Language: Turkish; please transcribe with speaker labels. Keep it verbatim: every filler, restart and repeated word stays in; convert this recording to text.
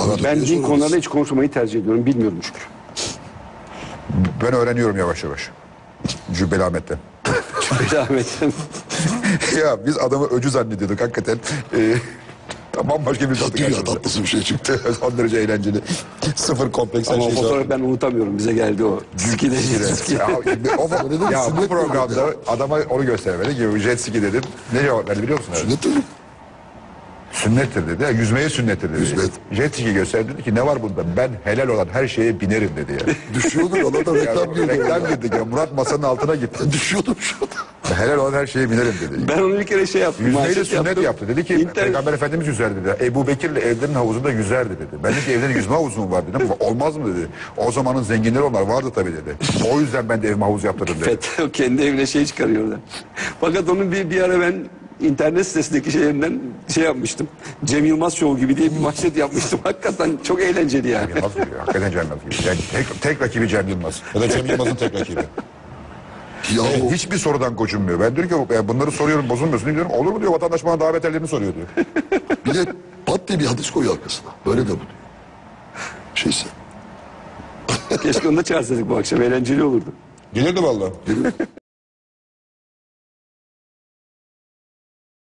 Speaker 1: Anladım.
Speaker 2: Ben
Speaker 1: diye
Speaker 2: din
Speaker 1: sorarız.
Speaker 2: konularında hiç konuşmayı tercih ediyorum. Bilmiyorum çünkü.
Speaker 3: Ben öğreniyorum yavaş yavaş. Cübbeli Ahmet'ten.
Speaker 2: Rahmetim.
Speaker 3: Ya biz adamı öcü zannediyorduk hakikaten. Ee, bambaşka bir tadı
Speaker 1: Tatlı ya,
Speaker 3: karşımıza.
Speaker 1: tatlısı bir şey çıktı.
Speaker 3: Son derece eğlenceli. Sıfır kompleks her
Speaker 2: Ama o
Speaker 3: şey.
Speaker 2: fotoğrafı ben unutamıyorum. Bize geldi o. Ski de jet ski.
Speaker 3: Ya, şimdi o,
Speaker 1: Öyle
Speaker 3: ya
Speaker 1: bir
Speaker 3: bu
Speaker 1: sünnet
Speaker 3: programda
Speaker 1: oldu
Speaker 3: adama onu göstermedi ki jet ski dedim. Ne cevap verdi biliyor musun?
Speaker 1: Sünnet mi?
Speaker 3: Sünnettir dedi. Ya, yüzmeye sünnettir dedi.
Speaker 1: Yüzme.
Speaker 3: Jet ski gösterdi dedi ki ne var bunda? Ben helal olan her şeye binerim dedi ya.
Speaker 1: Düşüyordur. Ona da reklam
Speaker 3: Ya,
Speaker 1: girdi.
Speaker 3: reklam girdik ya. Murat masanın altına gitti.
Speaker 1: Düşüyordum şu anda.
Speaker 3: Helal olan her şeye binerim dedi.
Speaker 2: Ben onu bir kere şey yaptım.
Speaker 3: Yüzmeyi de
Speaker 2: manşet
Speaker 3: sünnet
Speaker 2: yaptım.
Speaker 3: yaptı. Dedi ki
Speaker 2: İnternet-
Speaker 3: Peygamber Efendimiz yüzerdi dedi. Ebu Bekir'le evlerin havuzunda yüzerdi dedi. Ben dedim ki evlerin yüzme havuzu mu var dedim. Olmaz mı dedi. O zamanın zenginleri onlar vardı tabii dedi. O yüzden ben de evime havuz yaptırdım dedi.
Speaker 2: FETÖ o kendi evine şey çıkarıyor orada. Fakat onun bir, bir ara ben internet sitesindeki şeylerinden şey yapmıştım. Cem Yılmaz Show gibi diye bir manşet yapmıştım. Hakikaten çok eğlenceli yani.
Speaker 3: Yılmaz gibi. Hakikaten Cem Yılmaz gibi. Yani tek, tek rakibi Cem Yılmaz. Ya da Cem Yılmaz'ın tek rakibi.
Speaker 1: Ya
Speaker 3: E,
Speaker 1: o
Speaker 3: hiçbir sorudan gocunmuyor. Ben diyorum ki ya bunları soruyorum bozulmuyorsun diyorum. Olur mu diyor vatandaş bana daha beterlerini soruyor diyor.
Speaker 1: bir de pat diye bir hadis koyuyor arkasına. Böyle de bu diyor. Şeyse.
Speaker 2: Keşke onu da çağırsaydık bu akşam. Eğlenceli olurdu.
Speaker 3: Gelirdi vallahi.